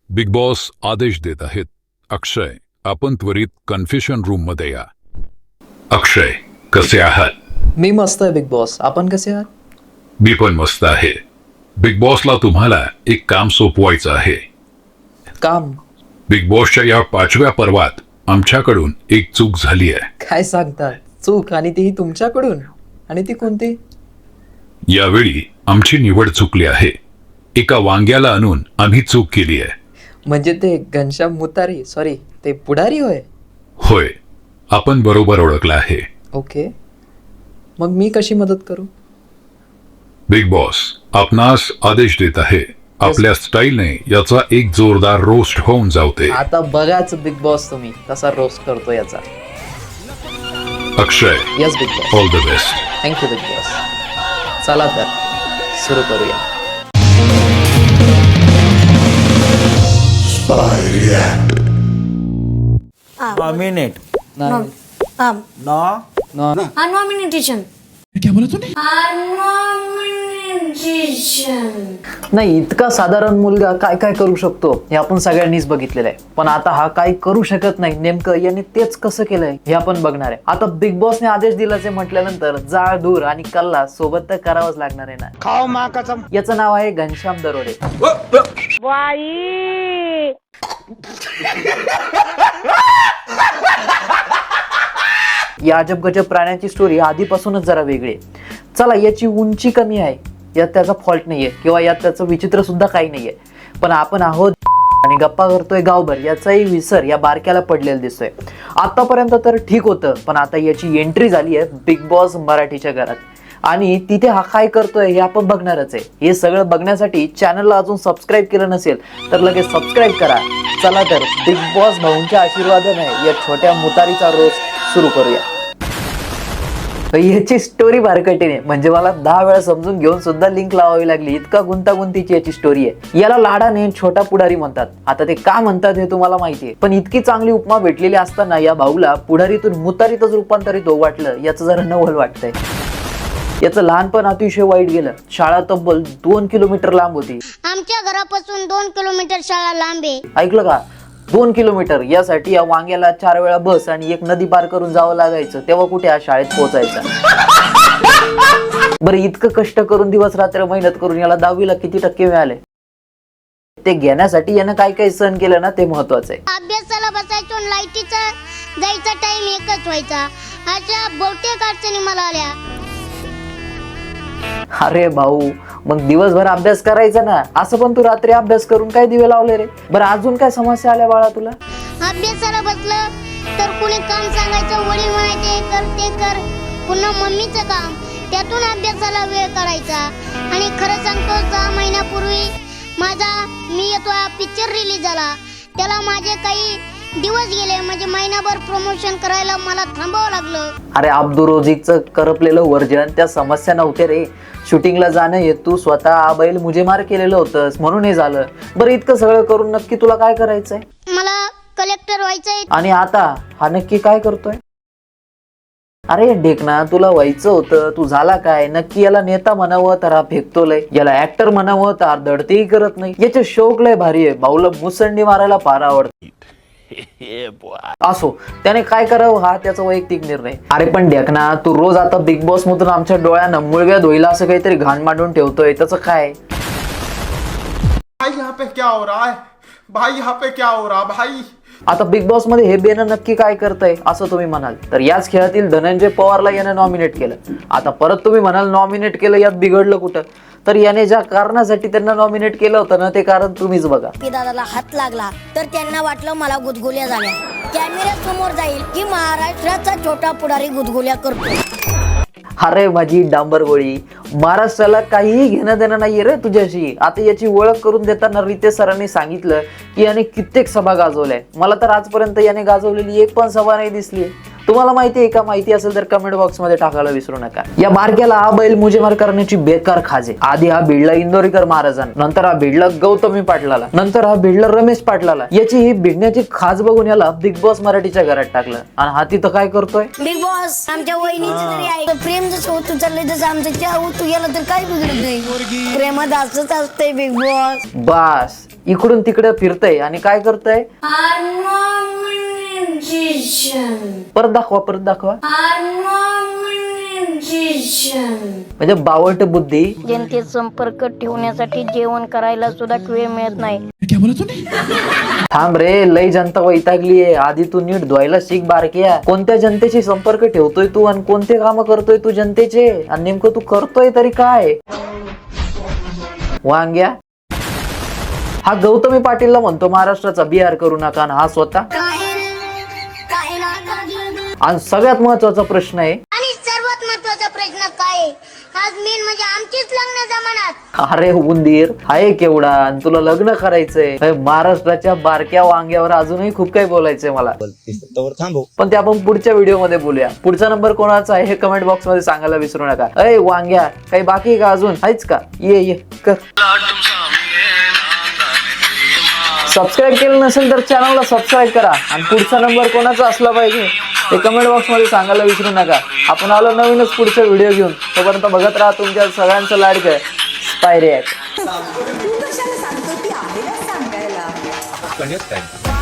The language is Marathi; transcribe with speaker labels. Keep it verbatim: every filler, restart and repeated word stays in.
Speaker 1: बिग बॉस आदेश देत आहेत. अक्षय, आपण त्वरित कन्फेशन रूम मध्ये या. अक्षय, कसे आहात?
Speaker 2: मी मस्त आहे बिग बॉस. आपण कसे आहात?
Speaker 1: मी पण मस्त आहे. बिग बॉसला तुम्हाला एक काम सोपवायचं आहे.
Speaker 2: काम?
Speaker 1: बिग बॉसच्या या पाचव्या पर्वात आमच्याकडून एक चूक झाली आहे.
Speaker 2: काय सांगता? चूक? आणि तीही तुमच्याकडून? आणि ती कोणती?
Speaker 1: यावेळी आमची निवड चुकली आहे. एका वांग्याला आणून आम्ही चूक केली आहे.
Speaker 2: म्हणजे ते घनश्याम मुतारी, सॉरी ते पुढारी होय?
Speaker 1: होय, आपण बरोबर ओळखला आहे.
Speaker 2: ओके, मग मी कशी मदत करू?
Speaker 1: बिग बॉस आपणास आदेश देत आहे. आपल्या स्टाईलने याचा एक जोरदार रोस्ट होऊन जावते.
Speaker 2: आता बघाच बिग बॉस तुम्ही कसा रोस्ट करतो याचा.
Speaker 1: Akshay,
Speaker 2: yes big boss.
Speaker 1: All the best.
Speaker 2: Thank you big boss. चला तर सुरू करूया.
Speaker 3: नॉमिनेट
Speaker 2: नाही.
Speaker 4: Um,
Speaker 3: नॉ
Speaker 2: No.
Speaker 4: Unnomination.
Speaker 5: क्या बोला तूने?
Speaker 4: Unnomination.
Speaker 2: नाही, इतका साधारण मुलगा काय काय करू शकतो हे आपण सगळ्यांनीच बघितलेलं आहे. पण आता हा काही करू शकत नाही, नेमकं याने तेच कसं केलंय हे आपण बघणार आहे. आता बिग बॉसने आदेश दिल्याचे म्हटल्यानंतर जाळ दूर आणि कल्ला सोबत तर करावंच लागणार आहे ना.
Speaker 3: खाओ मा कसम.
Speaker 2: याचं नाव आहे घनश्याम दरोडे. या अजब गजब प्राण्याची स्टोरी आधीपासूनच जरा वेगळी आहे. चला, याची उंची कमी आहे यात त्याचा फॉल्ट नाहीये, किंवा यात त्याचं विचित्र सुद्धा काही नाहीये. पण आपण आहोत आणि गप्पा करतोय गावभर याचाही विसर या बारक्याला पडलेला दिसतोय. आतापर्यंत तर ठीक होतं, पण आता याची एंट्री झाली आहे बिग बॉस मराठीच्या घरात आणि तिथे हा काय करतोय हे आपण बघणारच आहे. हे सगळं बघण्यासाठी चॅनलला अजून सबस्क्राईब केलं नसेल तर लगेच सबस्क्राईब करा. चला तर बिग बॉस भाऊंच्या आशीर्वादाने या छोट्या मुतारीचा रोज सुरू करूया. याची स्टोरी बारकटीने म्हणजे मला दहा वेळा समजून घेऊन सुद्धा लिंक लावावी लागली. इतका गुंतागुंतीची याची स्टोरी आहे. याला लाडाने छोटा पुढारी म्हणतात. आता ते का म्हणतात हे तुम्हाला माहिती आहे, पण इतकी चांगली उपमा भेटलेली असताना या भाऊला पुढारीतून मुतारीतच रूपांतरित हो वाटलं याचं जरा नवल वाटतंय. याचं लहानपण अतिशय वाईट गेलं. शाळा तब्बल दोन किलोमीटर लांब होती.
Speaker 6: आमच्या घरापासून दोन किलोमीटर शाळा लांब आहे.
Speaker 2: ऐकलं का? दोन किलोमीटर. यासाठी या वांग्याला चार वेळा बस आणि एक नदी पार करून जावं लागायचं. तेव्हा कुठे या शाळेत पोहोचायचं. बरं, इतकं कष्ट करून दिवस रात्र मेहनत करून याला दहावीला किती टक्के मिळाले ते घेण्यासाठी यानं काय काय सहन केलं ना ते महत्वाचं आहे.
Speaker 6: अभ्यासाला बसायचो, लाईटीचा जायचा टाइम एकच व्हायचा. अशा बहुतेक अडचणी मला आल्या.
Speaker 2: अरे भाऊ, मग दिवसभर अभ्यास करायचा ना. असं पण तू रात्री अभ्यास करून काय दिवे लावले रे? बरं, अजून काय समस्या आल्या बाळा तुला?
Speaker 6: अभ्यासाला बसलं तर कुणी काम सांगायचं, वडील म्हणायचे हे कर ते कर. पुन्हा मम्मीचं काम, त्यातून अभ्यासाला वेळ काढायचा. आणि खरं सांगतो, सहा महिन्यापूर्वी माझा मी येतो पिक्चर रिलीज झाला. त्याला माझे काही दिवस गेले, म्हणजे महिनाभर प्रमोशन करायला मला थांबावं लागलं.
Speaker 2: अरे अब्दुल रोझिकचं करपलेलं वर्जन त्या समस्या नव्हते रे. शूटिंगला जाणं हे तू स्वतः बैल मुझे मार केलेलं होतंस म्हणून हे झालं. बरं, इतकं सगळं करून नक्की तुला काय करायचंय?
Speaker 6: मला कलेक्टर व्हायचंय.
Speaker 2: आणि आता हा नक्की काय करतोय? अरे ढेकणा, तुला व्हायचं होतं, तू झाला काय? नक्की याला नेता म्हणावं तर हा फेकतो लय, याला ऍक्टर म्हणावं तर धडतेही करत नाही. याचे शौक लय भारी आहे. भाऊला मुसंडी मारायला फार आवडते. असो, त्याने काय करावं हा त्याचा वैयक्तिक निर्णय. अरे पण ढेकणा, तू रोज आता बिग बॉस मधून आमच्या डोळ्यानं मुळव्या धुईला असं काहीतरी घाण मांडून ठेवतोय, त्याचं काय?
Speaker 3: भाई यहाँ पे क्या हो रहा है? भाई यहाँ पे क्या हो रहा भाई?
Speaker 2: आता बिग बॉस मध्ये हे बेन नक्की काय करतंय असं तुम्ही म्हणाल तर याच खेळातील धनंजय पवारला यानं नॉमिनेट केलं. आता परत तुम्ही म्हणाल नॉमिनेट केलं यात बिघडलं कुठं? तर याने ज्या कारणासाठी त्यांना नॉमिनेट केलं होतं ना ते कारण तुम्हीच बघा.
Speaker 4: की दादाला हात लागला तर त्यांना वाटलं मला गुदगुल्या झाल्या. कॅमेऱ्या समोर जाईल की महाराष्ट्राचा छोटा पुढारी गुदगुल्या करतो.
Speaker 2: अरे माझी डांबर गोळी, महाराष्ट्राला काहीही घेणं देणं नाहीये रे तुझ्याशी. आता याची ओळख करून देताना रितेश सरांनी सांगितलं की याने कित्येक सभा गाजवल्या. मला तर आजपर्यंत याने गाजवलेली एक पण सभा नाही दिसली. तुम्हाला माहिती आहे का? माहिती असेल तर कमेंट बॉक्स मध्ये टाकायला विसरू नका. या बारक्याला हा बैल मुजेमार करण्याची बेकार खाज आहे. आधी हा भिडला इंदोरीकर महाराजांना, नंतर हा भिडला गौतमी पाटलाला, नंतर हा भिडला रमेश पाटलाला. याची ही भिडण्याची खाज बघून याला बिग बॉस मराठीच्या घरात टाकलं. आणि हा तिथं काय करतोय?
Speaker 4: बिग बॉस आमच्या वहिनीचं तरी आहे. प्रेम जसं होतं चाललंय तसं आमचं त्या होतं गेलं तर काय बिघडत नाही. प्रेमात असंच असतंय बिग बॉस.
Speaker 2: बस, इकडून तिकडे फिरतय आणि काय करतय? परत दाखवा परत दाखवा. म्हणजे बावट बुद्धी.
Speaker 4: जनतेत संपर्क ठेवण्यासाठी जेवण करायला सुद्धा वेळ मिळत नाही.
Speaker 2: थांब रे, लय जनता वैतागली आहे. आधी तू नीट धुवायला शिक बारक्या. कोणत्या जनतेशी संपर्क ठेवतोय तू आणि कोणते काम करतोय तू जनतेचे, आणि नेमकं तू करतोय तरी काय? वांग्या, हा गौतमी पाटीलला म्हणतो महाराष्ट्राचा बिहार करू नका, आणि हा स्वतः. आणि सगळ्यात महत्वाचा प्रश्न आहे,
Speaker 6: आणि सर्वात महत्वाचा प्रश्न काय आहे? आज मेन म्हणजे आमचीच लग्न जमानात.
Speaker 2: अरे उंदीर आहे केवढा आणि तुला लग्न करायचंय? अरे महाराष्ट्राच्या बारक्या वांग्यावर अजूनही खूप काही बोलायचंय मला, पण ते आपण पुढच्या व्हिडिओ मध्ये बोलूया. पुढचा नंबर कोणाचा आहे हे कमेंट बॉक्स मध्ये सांगायला विसरू नका. अय वांग्या, काही बाकी आहे का अजून? आहेच का? ये ये कर. सबस्क्राईब केलं नसेल तर चॅनलला सबस्क्राईब करा, आणि पुढचा नंबर कोणाचा असला पाहिजे ते कमेंट बॉक्स मध्ये सांगायला विसरू नका. आपण आलो नवीनच पुढचा व्हिडिओ घेऊन. तोपर्यंत बघत राहा तुमच्या सगळ्यांचं लाडकं स्पाय रिॲक्ट.
Speaker 5: तू कशाला सांगतो ती आहे ना सांगायला.